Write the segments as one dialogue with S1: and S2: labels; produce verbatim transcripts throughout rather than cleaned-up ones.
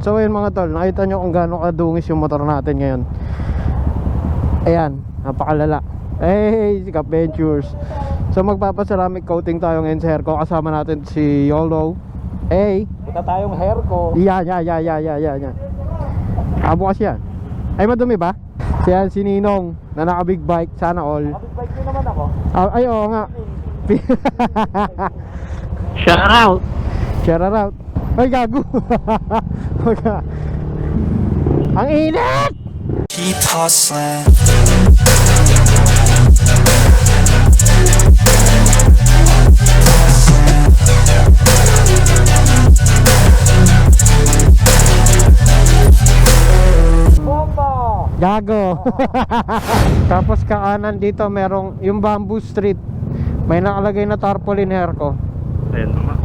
S1: So ayun mga tol, nakita nyo kung gaano kadungis yung motor natin ngayon. Ayan, napakalala. Hey, si Cap Ventures. So magpapaceramic coating tayo ngayon sa Herco. Kasama natin si Yolo. Hey,
S2: Punta tayong Herco.
S1: yan, yan, yan, yan, yan, yan, yan. Ah, bukas yan. Ay, madumi ba? Siya si Ninong na naka big bike, sana all.
S2: Big bike ko naman ako.
S1: Ah, ay, oo nga.
S2: Shout out.
S1: Shout out. Ay, gago. Ang init!
S3: Keep hustling.
S2: Bomba!
S1: Gago. Tapos kaanan dito merong yung Bamboo Street. May nakalagay na tarpaulin Herco.
S2: Ayan naman.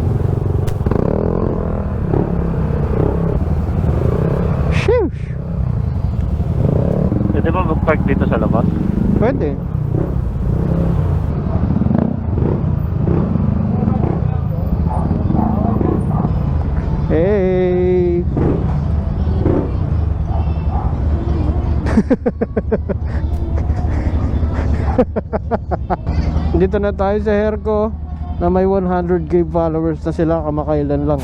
S1: Sheesh.
S2: Pwede ba mag-park dito sa labas?
S1: Pwede. Hey. Dito na tayo sa Herco na may one hundred K followers na sila kamakailan lang.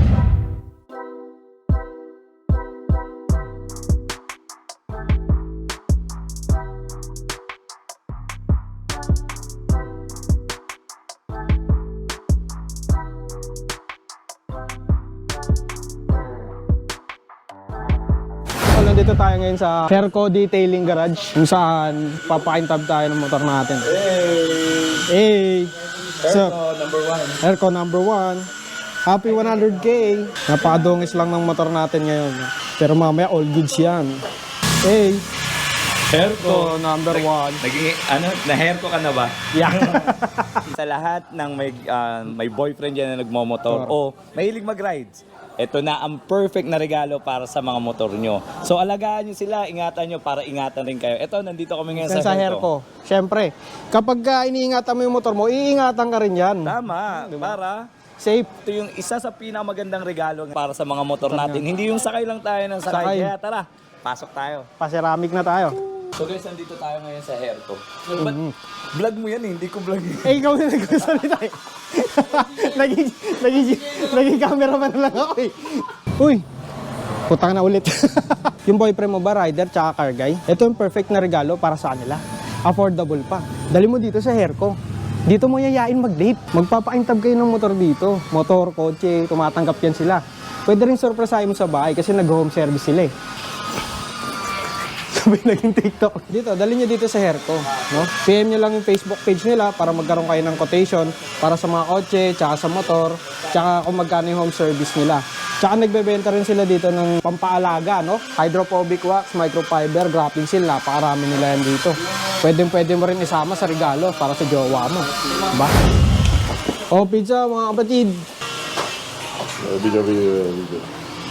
S1: Nandito tayo ngayon sa Herco Detailing Garage kung saan papakintab tayo ng motor natin. Hey! Hey! So,
S2: number one.
S1: Herco number one. Happy one hundred K. Napakadungis lang ng motor natin ngayon. Pero mamaya all goods yan. Hey!
S2: Herco
S1: number one.
S4: Naging, ano, na-Herco ka na ba?
S1: Yeah.
S4: Sa lahat ng may, ah, may boyfriend dyan na nagmomotor o mahilig mag-rides, ito na ang perfect na regalo para sa mga motor nyo. So alagaan nyo sila, ingatan nyo para ingatan rin kayo. Ito, nandito kami ngayon sa,
S1: sa
S4: Herco.
S1: Herco. Siyempre, kapag ka iniingatan mo yung motor mo, iingatan ka rin yan.
S4: Tama, para
S1: Safe.
S4: ito yung isa sa pinakamagandang regalo para sa mga motor natin. Hindi yung sakay lang tayo ng sakay.
S1: Sakay.
S4: Kaya tara, pasok tayo.
S1: Paseramic na tayo.
S4: So guys, nandito tayo ngayon sa Herco. But, vlog mo yan eh, hindi ko vlog yan.
S1: Eh, ikaw na nagsasalita eh. naging, naging, naging cameraman na lang ako eh. Uy, putang na ulit. Yung boyfriend mo ba, rider tsaka car guy? Ito yung perfect na regalo para sa kanila. Affordable pa. Dali mo dito sa Herco. Dito mo yayain mag-date. Magpapaintab kayo ng motor dito. Motor, kotse, tumatanggap yan sila. Pwede rin surprisein mo sa bahay kasi nag-home service sila eh. Sabi naging TikTok. Dito, dali nyo dito sa Herco. No? P M nyo lang yung Facebook page nila para magkaroon kayo ng quotation para sa mga kotse, tsaka sa motor, tsaka kung magkano yung home service nila. Tsaka nagbebenta rin sila dito ng pampaalaga, no? Hydrophobic wax, microfiber, graphing seal, napakarami nila yan dito. Pwede pwede mo rin isama sa regalo para sa jowa mo. Diba? O, pizza, mga kapatid.
S5: Video, video, video.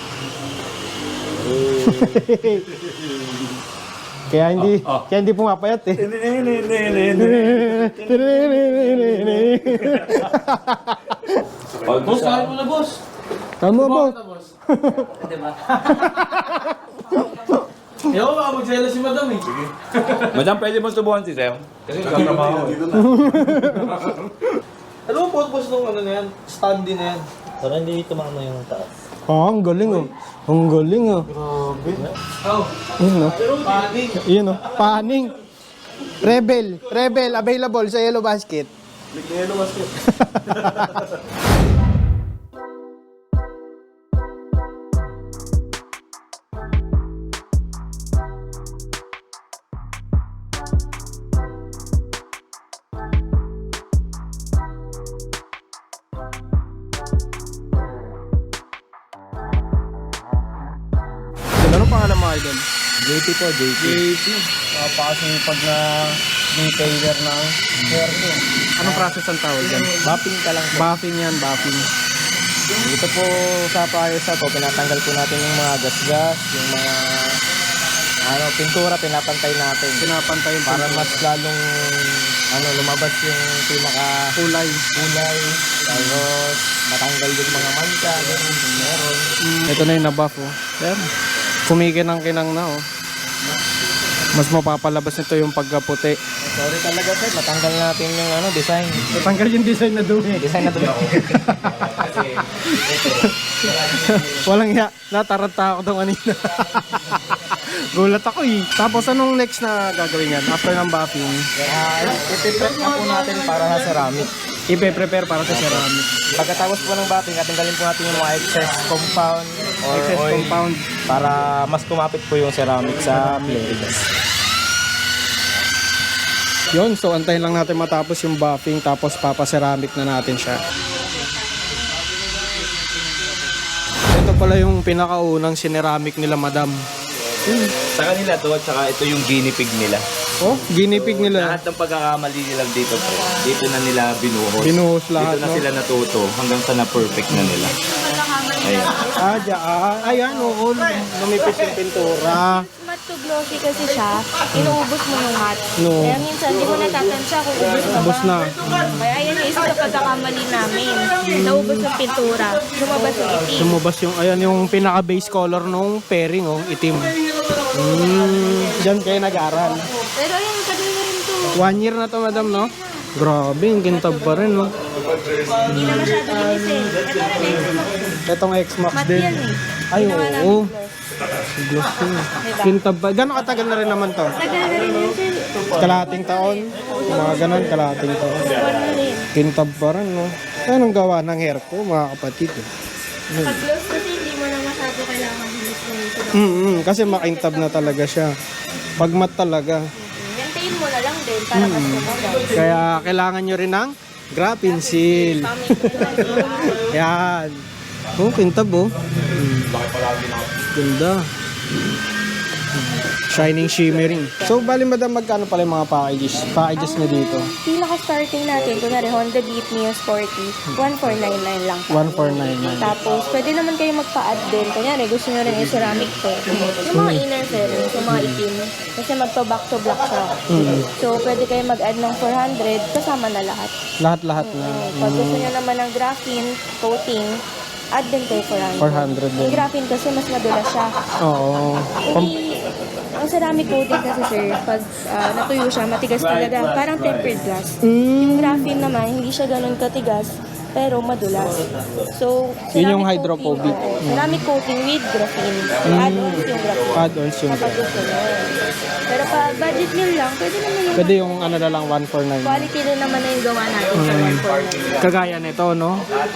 S1: Kaya hindi, oh, oh. kaya hindi pumapayat eh.
S2: Boss, kahit mo na boss.
S1: Tama ba?
S2: Diba? Ayaw, baka magsela si madam eh.
S4: Madam, pwede mo subuhan si Sir?
S2: Kasi nagkatrabaho. Ano ang purpose nung ano na yan? Standy na yan?
S6: Para hindi tumama yung taas.
S1: Ah, ang galing oh. Ang galing oh.
S2: Grabe. Oh.
S1: Yun oh.
S2: Paning.
S1: Yun oh. Paning. Rebel. Rebel. Available sa Yellow Basket.
S2: Big na yellow basket.
S1: Anong pangalan mo idol?
S4: J P po, J P.
S1: J P. Kapasok yung pag na retailer ng Herco. Anong process ang tawag yan?
S4: Buffing ka lang po.
S1: Buffing yan, buffing.
S4: Dito po sa Firesaw po, pinatanggal po natin yung mga gas-gas, yung mga ano, pintura, pinapantay natin.
S1: Pinapantay yung
S4: Para mas lalong
S6: ano, lumabas yung pinaka
S1: Kulay.
S6: kulay, tapos matanggal yung mga mancha, ganun, kung meron.
S1: Ito na yung nabuff, oh. Ayan. Kumikinang-kinang na, oh. Mas mapapalabas nito yung pagkaputi.
S6: Sorry talaga sir, matanggal natin yung ano, design.
S1: Natanggal yung design na dumi.
S6: Design na to.
S1: Walang ya. Nataranta ako daw kanina. Gulat ako eh. Tapos anong next na gagawin yan? After ng buffing,
S6: Ah, ipiprep na po natin para sa ceramic.
S1: ipe-prepare para sa ceramic.
S6: Pagkatapos po ng batting, tanggalin po natin yung mga excess compound or
S1: Excess
S6: oil
S1: compound.
S6: para mas kumapit po yung ceramic sa plates.
S1: Yun, so antayin lang natin matapos yung buffing tapos papaceramic na natin siya. Ito pala yung pinakaunang sineramic nila, madam.
S4: Sa kanila to, at saka ito yung guinea pig nila.
S1: Oh, ginipig nila.
S4: Lahat ng pagkakamali nila dito po, dito na nila binuhos.
S1: Binuhos lahat,
S4: Dito na
S1: no?
S4: sila natuto hanggang sa na-perfect na nila. Ayan.
S1: Ah, dyan. Ah, ayan, oo. Lumipis yung pintura.
S7: Mat to glossy kasi siya, inuubos mo yung mat.
S1: No.
S7: Kaya minsan, di mo natatansya kung ubos ka ba.
S1: Ubos na.
S7: Kaya yan yung isa sa pagkakamali namin. Naubos yung pintura. Lumabas yung itim.
S1: Lumabas yung, ayan, yung pinaka-base color nung pairing, oh, itim. Mm, dyan kayo nag-aral.
S7: Pero ayun, tagal na rin to.
S1: One year na to, madam, no? Grabe, yung kintab pa rin, no?
S7: Hindi na masyado linisin. Ito na next.
S1: Itong X-Max
S7: Mat
S1: din.
S7: yan eh.
S1: Ay,
S7: Ginawa namin
S1: oo.
S7: gloss.
S1: Gloss yun. Kintab pa. Gano'ng katagal na rin naman to?
S7: Tagal na rin yun, sir.
S1: Kalahating taon? Mga ganon, kalahating taon.
S7: Buwan na rin.
S1: Kintab pa rin, no? Anong gawa ng hair ko, mga kapatid, eh?
S7: Pag gloss kasi hindi mo na masyado kailangan linisin.
S1: Mm-hmm, kasi makintab na talaga siya. Pag mat talaga.
S7: Maintain mo na lang din para mas tumagal.
S1: Kaya kailangan nyo rin ng graphene seal. Yan. Oh, kintab, oh. Mm. Ganda. Shining, shimmering. So, bali madam, magkano pala yung mga packages? Packages na dito?
S7: Pinaka-starting natin, kunwari Honda Beat Neo Sporty, one four nine nine lang.
S1: one four nine nine.
S7: Tapos, pwede naman kayo magpa-add din. Kunyari, gusto nyo rin yung ceramic to. Yung mga inner fairings, yung mga itim. Kasi magpa-back to black siya. So, pwede kayo mag-add ng four hundred, kasama na lahat.
S1: Lahat-lahat na.
S7: Pag gusto nyo naman ng graphene coating, add din kayo four hundred.
S1: four hundred
S7: Yung
S1: din.
S7: graphene kasi mas madulas siya.
S1: Oo. Pam-
S7: Hindi, ang ceramic coating kasi sir, pag ah, natuyo siya, matigas talaga. Parang tempered glass. Yung graphene naman, hindi siya ganun katigas, pero madulas. So,
S1: Yun yung
S7: ceramic
S1: hydrophobic.
S7: coating, oo. ceramic coating with graphene. Add-ons yung graphene.
S1: Add-ons yung
S7: Kapag gusto nyo. Pero pa budget meal lang, pwede naman yung
S1: Pwede yung ano na lang, one four nine.
S7: quality din naman na yung gawa natin sa one four nine.
S1: Kagaya nito, no?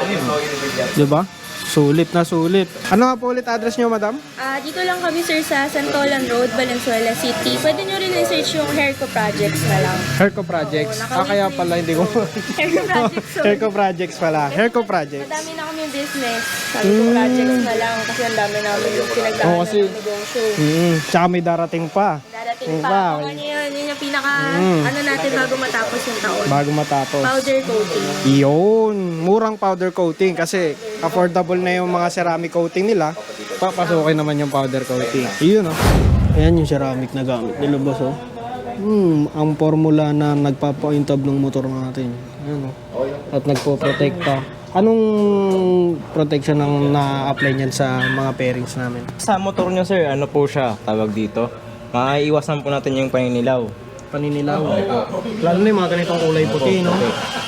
S1: Diba? Sulit na sulit. Ano nga po ulit address nyo, madam?
S7: Ah, dito lang kami sir sa Santolan Road, Valenzuela City. Pwede nyo rin i-search yung Hairco Projects na lang.
S1: Hairco Projects. Ah, kaya pala hindi ko...
S7: Hairco Projects. So,
S1: Hairco Projects pala. Hairco Projects.
S7: madami na kami business. Sabi ko projects na lang kasi ang dami namin yung pinagdaanan
S1: Oo, kasi-
S7: ng negosyo.
S1: Mm, tsaka may darating pa.
S7: Darating
S1: Yung
S7: pa.
S1: pa,
S7: Kung ano yun, yun yung pinaka,
S1: Mm.
S7: ano natin bago matapos yung taon.
S1: Bago matapos.
S7: Powder coating.
S1: Yun. Murang powder coating kasi affordable na yung mga ceramic coating nila. Papasukin naman yung powder coating. Yun, oh. Ayan yung ceramic na gamit nila, boss, oh. Hmm, ang formula na nagpapaintab ng motor natin. Ayan, oh. At nagpo-protecta. Anong protection ang na-apply niyan sa mga pairings namin?
S6: Sa motor nyo sir, ano po siya, tawag dito? Maiiwasan po natin yung paninilaw.
S1: Paninilaw. Lalo na yung mga ganitong kulay puti, no?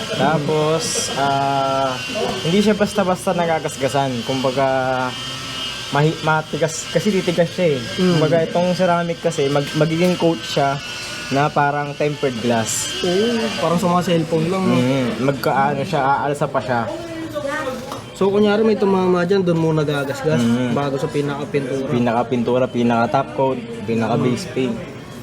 S6: Tapos, ah, hindi siya basta-basta nagagasgasan. Kumbaga, mahi- matigas, kasi titigas siya eh. Kumbaga, itong ceramic kasi, mag- magiging coat siya na parang tempered glass.
S1: Oo, parang sa mga cellphone lang, no?
S6: Mm, magkaano siya, aalsa pa siya.
S1: So, kunyari may tumama dyan, doon muna gagasgas
S6: Mm.
S1: bago sa pinaka-pintura.
S6: Pinaka-pintura, pinaka-top coat, pinaka-base paint.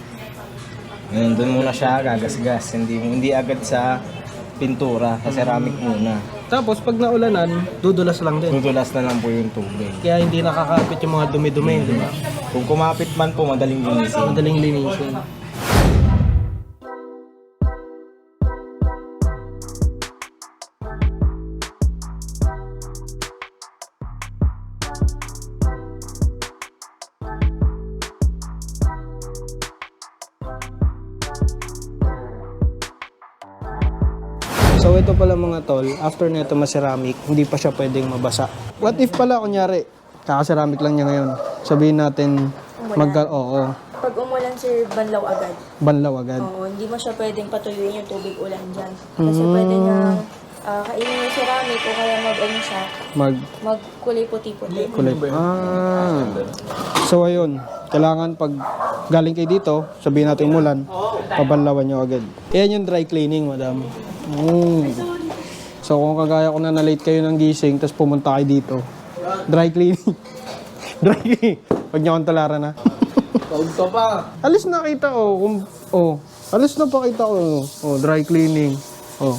S6: Ngayon, doon muna siya gagasgas. Hindi, hindi agad sa pintura, sa ceramic muna.
S1: Tapos, pag naulanan, dudulas lang din.
S6: Dudulas na lang po yung tubig.
S1: Kaya hindi nakakapit yung mga dumi-dumi, di ba?
S6: Kung kumapit man po, madaling linisin.
S1: Madaling linisin. So ito pala mga tol, after nito ma-ceramic, hindi pa siya pwedeng mabasa. What if pala, kunyari, kaka-ceramic lang niya ngayon. Sabihin natin, magka, oo,
S7: Pag umulan, sir, banlaw agad.
S1: banlaw agad.
S7: Oo, hindi mo siya pwedeng patuyuin yung tubig ulan dyan. Kasi pwede niya ah, kainin yung ceramic o kaya mag-ano siya,
S1: Mag,
S7: magkulay puti-puti.
S1: kulay. Ah. So ayun, kailangan pag galing kayo dito, sabihin natin umulan, pabanlawan nyo agad. Ayan yung dry cleaning, madam. Mm. So kung kagaya ko na na-late kayo ng gising, tapos pumunta kayo dito, dry cleaning. Dry cleaning. Huwag niyo akong tularan na.
S2: Taog ka pa.
S1: Alis na kita, oh. Kung, oh. Alis na pa kita, oh. Oh, dry cleaning. Oh.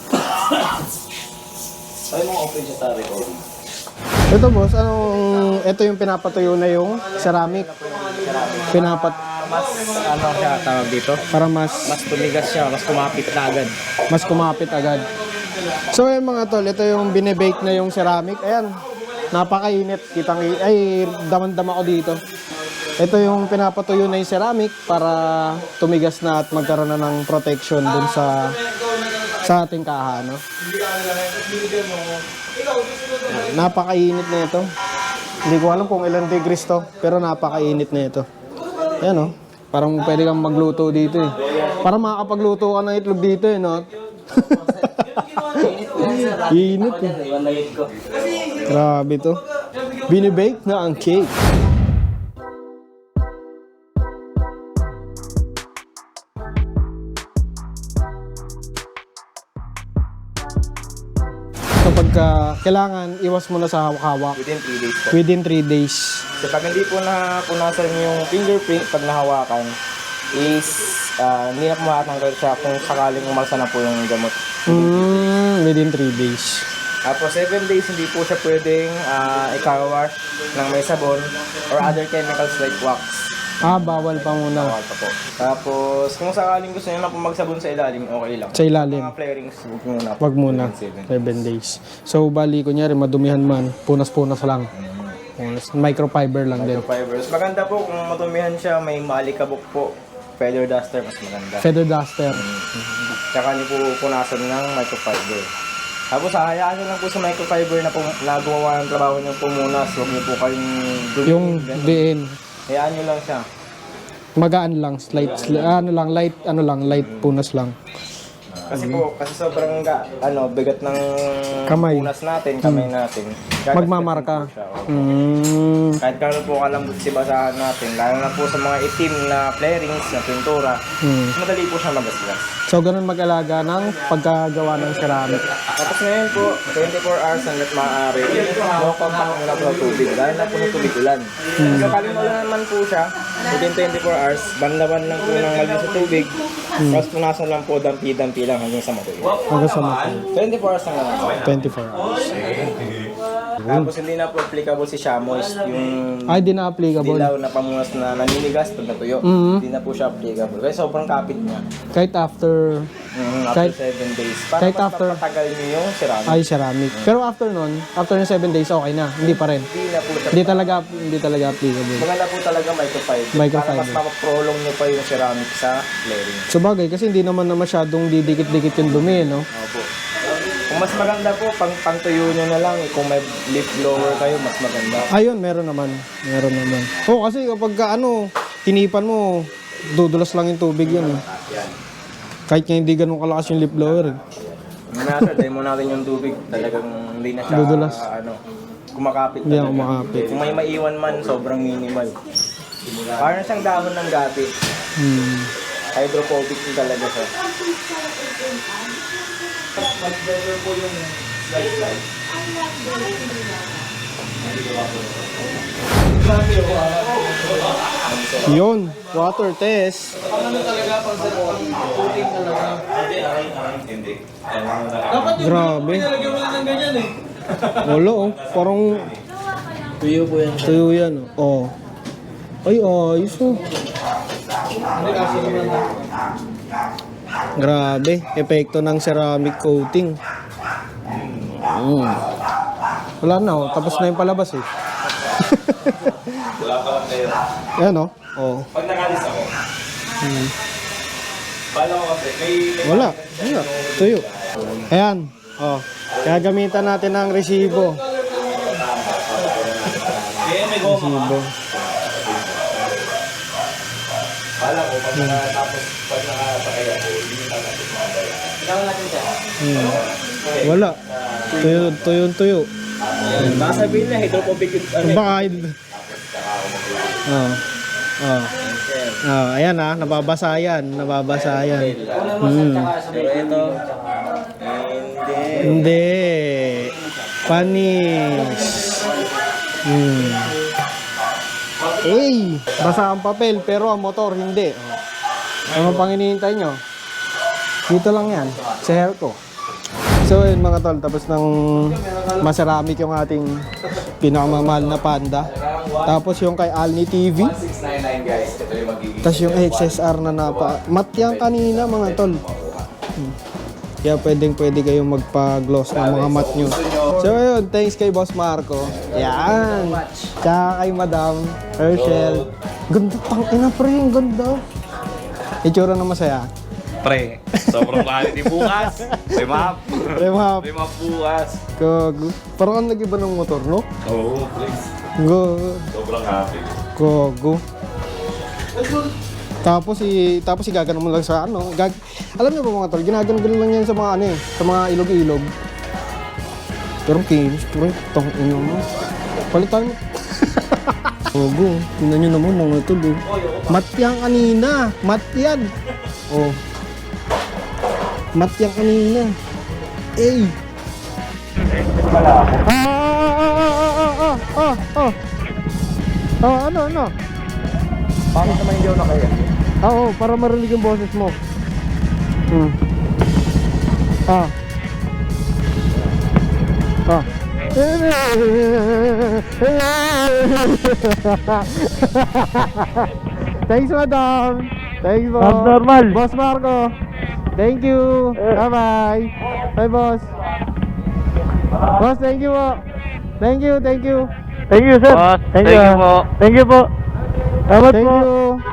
S4: Ay, mga open siya sa recording.
S1: Ito boss, anong, ito yung pinapatuyo na yung ceramic. Pinapat,
S6: Mas ano siya tawag dito?
S1: para mas,
S6: Mas tumigas siya, mas kumapit na agad.
S1: mas kumapit agad. So ayun mga tol, ito yung binibake na yung ceramic. Ayan, napakainit. Kitang, ay, daman-dama ko dito. Ito yung pinapatuyo na yung ceramic para tumigas na at magkaroon na ng protection dun sa sa ating kaha, no? Napakainit na ito. Hindi ko alam kung ilang degrees to, pero napakainit na ito. Ayan, no? Parang pwede kang magluto dito, eh. Parang makakapagluto ka ng itlog dito, eh, no? Init, eh. Grabe to. Binibake na ang cake. So pagka kailangan, iwas mo na sa hawak-hawak
S6: Within three days po.
S1: within three days.
S6: So pag hindi po na punasan yung fingerprint pag nahawakan, is ah, hindi na po makatanggal siya kung sakaling umalsa na po yung gamot.
S1: Mm, within three days.
S6: Tapos seven days hindi po siya pwedeng uh, ikawash ng may sabon or other chemicals like wax.
S1: Ah, bawal pa muna.
S6: Bawal pa po. Tapos kung sakaling gusto niyo na po magsabon sa ilalim, okay lang.
S1: Sa ilalim.
S6: Mga flarings, huwag muna po.
S1: Wag muna.
S6: Seven.
S1: seven days. So, bali, kunyari, madumihan man, punas-punas lang. Punas. Microfiber lang din.
S6: Fibers. Maganda po kung matumihan siya, may maalikabok po. Feather duster, mas maganda.
S1: Feather duster.
S6: Tsaka niyo po punasan ng microfiber. Tapos hayaan niyo lang po sa microfiber na po nagawa ng trabaho niyo pumunas. Huwag niyo po kayong dumihin.
S1: Yung
S6: ganun.
S1: diin.
S6: Hayaan niyo lang siya.
S1: Magaan lang, slight, sli- ano lang, light, ano lang, light punas lang.
S6: Kasi po, kasi sobrang ga, ano, bigat ng
S1: Kamay.
S6: punas natin, kamay natin. Gagasgasin
S1: Magmamarka.
S6: po siya, oo.
S1: Mm,
S6: Kahit kano po kalambot si basahan natin, lalo na po sa mga itim na flarings, na pintura,
S1: mm.
S6: madali po siya magasgas.
S1: So, ganun mag-alaga ng pagkagawa ng ceramic.
S6: Tapos ngayon po, twenty-four hours hanggat maaari, no contact muna po ng tubig, dahil na po ng tubig ulan. So kaling ulan naman po siya, within twenty-four hours, banlawan lang po ng mali sa tubig, tapos punasan lang po, dampi-dampi lang hanggang sa matuyo.
S1: Hanggang sa mata.
S6: twenty-four hours lang naman po.
S1: twenty-four hours.
S6: Tapos hindi na po applicable si Shamoist, yung
S1: Ay, di na applicable.
S6: dilaw na pamunas na naninigas pag natuyo.
S1: Mhm.
S6: Hindi na po siya applicable. Kasi sobrang kapit niya.
S1: Kahit after,
S6: Mm, after
S1: Kahit-
S6: seven days. Para
S1: kahit
S6: mas
S1: after-
S6: mapatagal niyo yung ceramic.
S1: ay ceramic. Pero after nun, after ng seven days, okay na. Hindi pa rin.
S6: Hindi na po siya.
S1: Hindi talaga, hindi talaga applicable.
S6: Maganda po talaga microfiber.
S1: Microfiber.
S6: Para mas mapaprolong niyo pa yung ceramic sa flaring.
S1: So bagay, kasi hindi naman na masyadong didikit-dikit yung dumi, no?
S6: Opo. Kung mas maganda po, pang pangtuyo nyo na lang. eh. Kung may lip blower kayo, mas maganda.
S1: Ayun, meron naman. Meron naman. Oo, kasi kapag ka, ano, tinipan mo, dudulas lang yung tubig yun. Eh. Kahit nga hindi ganun kalakas yung lip blower. Eh.
S6: Mamaya sir, dahil mo natin yung tubig. Talagang hindi na siya,
S1: Dudulas.
S6: ano, kumakapit
S1: Hindi na
S6: talaga.
S1: kumakapit.
S6: Kung may maiwan man, sobrang minimal. Parang siyang dahon ng gabi.
S1: Hmm.
S6: Hydrophobic din talaga siya.
S1: Yun, water test. Grabe.
S2: Nilagyan mo na ng ganyan eh.
S1: Wala, oh. Parang
S2: Tuyo po yan.
S1: tuyo yan, oh. Oh. Ay, ayos, oh. Grabe, epekto ng ceramic coating. Mm. Wala na, oh. Tapos na yung palabas, eh.
S4: Wala pa lang kayo.
S1: Yan, oh. Oh.
S4: Pag nakalis ako,
S1: Hmm.
S4: pala ko kasi, may... may
S1: Wala. Wala. Tuyo. Ayan. Oh. Gagamitan natin ng resibo.
S4: Kaya may goma ka.
S1: Resibo.
S4: Wala ko, pag nakatapos, pag nakasakay ako, hindi nyo tatapos mga bayan. Kailangan natin siya.
S1: Hmm. Wala. Tuyo, tuyo, tuyo.
S4: Baka sabihin na, hydrophobic yung ano.
S1: Baka, oh. Oh. Oh, ayan ah, nababasa yan, nababasa yan. Hmm.
S4: Pero ito, hindi.
S1: Hindi. Panis. Hmm. Eh, basa ang papel pero ang motor hindi. Ano pang hinihintay nyo? Dito lang yan, sa hair ko. So yun mga tol, tapos ng maseramic yung ating pinakamamahal na Panda. Tapos yung kay Alni T V.
S4: six ninety-nine guys, ito yung magiging.
S1: Tapos yung X S R na napa... Mat yan kanina mga tol. Hmm. Kaya pwedeng pwede kayong magpa-gloss ng mga mat nyo. So ayun, thanks kay Boss Marco. Yan. Tsaka kay Madam Herschel. Ganda pang ina pre, ang ganda. Itsura na masaya.
S4: Pre, sobrang quality bukas. Remap.
S1: Remap.
S4: Remap bukas.
S1: Gogo. Parang ang nag-iba ng motor, no?
S4: Oo, please.
S1: Gogo.
S4: Sobrang happy.
S1: Gogo. Tapos i tapos igagano mo lang sa ano, gag alam niyo ba mga tol, ginagano-gano lang yan sa mga ano eh, sa mga ilog-ilog. Pero kinis, pre, tong ino mo. Palitan mo. Gogo, tingnan niyo naman mga tol. Oh. Mat yan kanina, mat yan. Oh. Mat yan kanina. Eh. Ah, ah, ah, ah, ah, ah. Oh, ano, ano?
S6: Bakit naman hindi ako nakaya?
S1: Oo, para marinig yung boses mo. Hmm. Ah. Ah. Thanks, madam. Thanks, boss.
S6: Abnormal.
S1: Boss Marco. Thank you. Bye-bye. Bye, boss. Boss, thank you po. Thank you, thank you.
S6: Thank you, sir. Thank you po. Thank you po. Salamat
S1: Thank
S6: po.
S1: you.